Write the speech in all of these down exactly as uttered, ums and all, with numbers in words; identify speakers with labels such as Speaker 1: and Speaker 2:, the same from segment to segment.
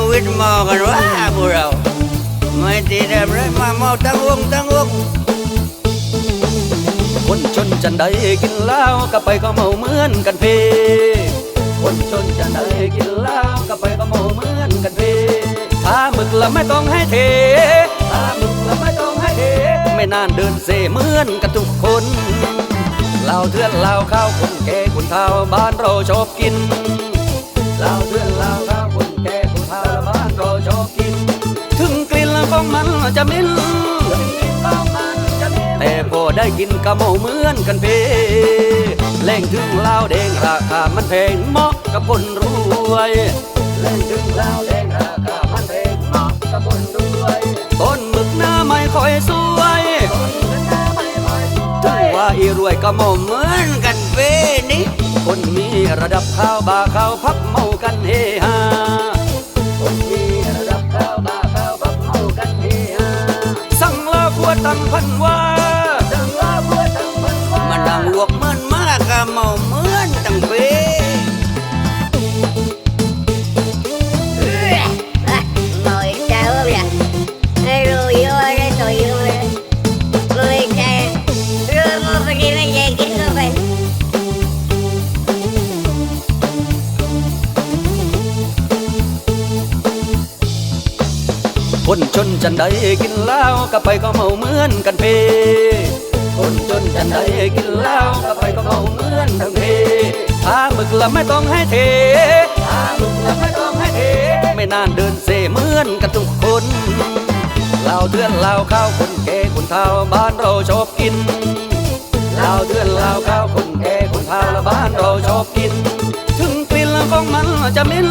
Speaker 1: วิตมอกันว่าพวกเราไม่ตีแดมเลยมาเมาตั้งวงตั้งวง
Speaker 2: คนชนจันใดกินเหล้าก็ไปก็เมาเหมือนกันเพคนชนจันใดกินเหล้าก็ไปก็เมาเหมือนกันเพถ้าหมึกละไม่ต้องให้เทถ้าหมึกละไม่ต้องให้เทไม่นานเดินเซเหมือนกันทุกคนเหล้าเถื่อนเหล้าข้าวคนแก่คนเฒ่าบ้านเราชอบกินเหล้าเถื่อนเหล้าข้าวคนแก่คนเฒ่าบ้านเราชอบกินถึงกลิ่นของมันจะเหม็นแต่พอได้กินกะเมาเหมือนกันเพแรงถึงเหล้าแดงราคามันแพงเหมาะกับคนรวยแรงถึงเหล้าแดงราคามันแพงเหมาะกับคนรวยต้นหมึกหน้าไม่ค่อยสวยถึงว่าอีรวยกะเมาเหมือนกันเพนี่คนมีระดับข้าวบาข้าวพับเมากันเฮฮาคนมีระดับข้าวบาข้าวพับเมากันเฮฮาสั่งลาขวดตั้งพันว่า
Speaker 1: มันดังลวกมันมากกะเมาเหมือนตั้งเป้
Speaker 2: คนจนจันใดกินเหล้าก็ไปก็เมาเหมือนกันเพคนจนจันใดกินเหล้าก็ไปก็เมาเหมือนทั้งเพถ้าหมึกละไม่ต้องให้เทถ้าหมึกละไม่ต้องให้เทไม่นานเดินเซเหมือนกันทุกคนเหล้าเถื่อนเหล้าข้าวคนแก่คนเฒ่าบ้านเราชอบกินเหล้าเถื่อนเหล้าข้าวคนแก่คนเฒ่าและบ้านเราชอบกินถึงกลิ่นของมันจะเหม็น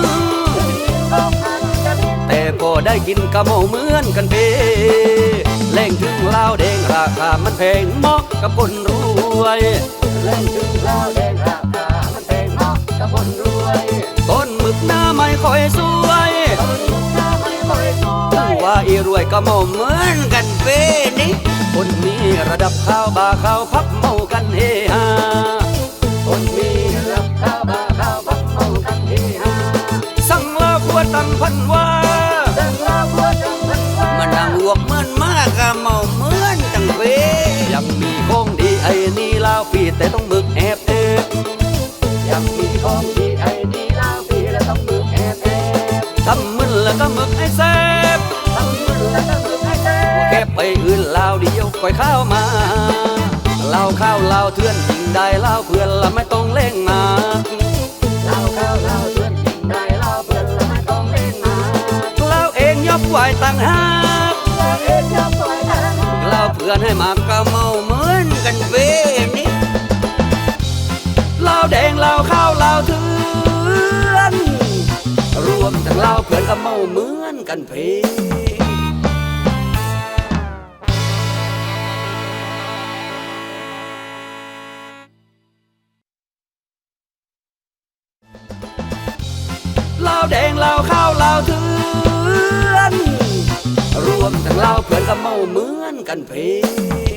Speaker 2: แต่พอได้กินกะเมาเหมือนกันเพแรงถึงเหล้าแดงราคามันแพงเหมาะกับคนรวยแรงถึงเหล้าแดงราคามันแพงเหมาะกับคนรวยต้นหมึกหน้าไม่ค่อยสวยต้นหมึกหน้าไม่ค่อยสวยว่าอีรวยกะเมาเหมือนกันเพนี่คนมีระดับข้าวบาข้าวพับเมากันเฮฮาคนมีระดับข้าวบาข้าวพับเมากันเฮฮาสั่งลาขวดตั้งพันว่า
Speaker 1: มันดังลวกมันมากกะเมาเหมือนตั้งเป้
Speaker 2: ยังมีของดีไอ้นี่ลาวฟีแต่ต้องมึกแอบเอบยังมีของดีไอ้นี่ลาวฟีและต้องมึกแอบเอบทำมึนแล้วก็มึกให้แซ่บทำมึนแล้วก็มึกให้แซ่บแค่ไปอื่นลาวเดียวค่อยเข้ามาลาวข้าวลาวเถื่อนยิงได้ลาวเพื่อนละไม่ต้องเล่งมาลาวข้าวลาวเถื่อนยิงได้ลาวเพื่อนละไม่ต้องเล่งมาลาวเองยกไหวต่างหาก
Speaker 1: เราเพื่อนให้มากะเมาเหมือนกันเป้นี่
Speaker 2: เหล้าแดงเหล้าข้าวเหล้าเถื่อนรวมทั้งเหล้าเพื่อนกะเมาเหมือนกันเพเหล้าแดงเหล้าข้าวเหล้าเถื่อนรวมทั้งเหล้าเพื่อนกะเมาเหมือนกันเพ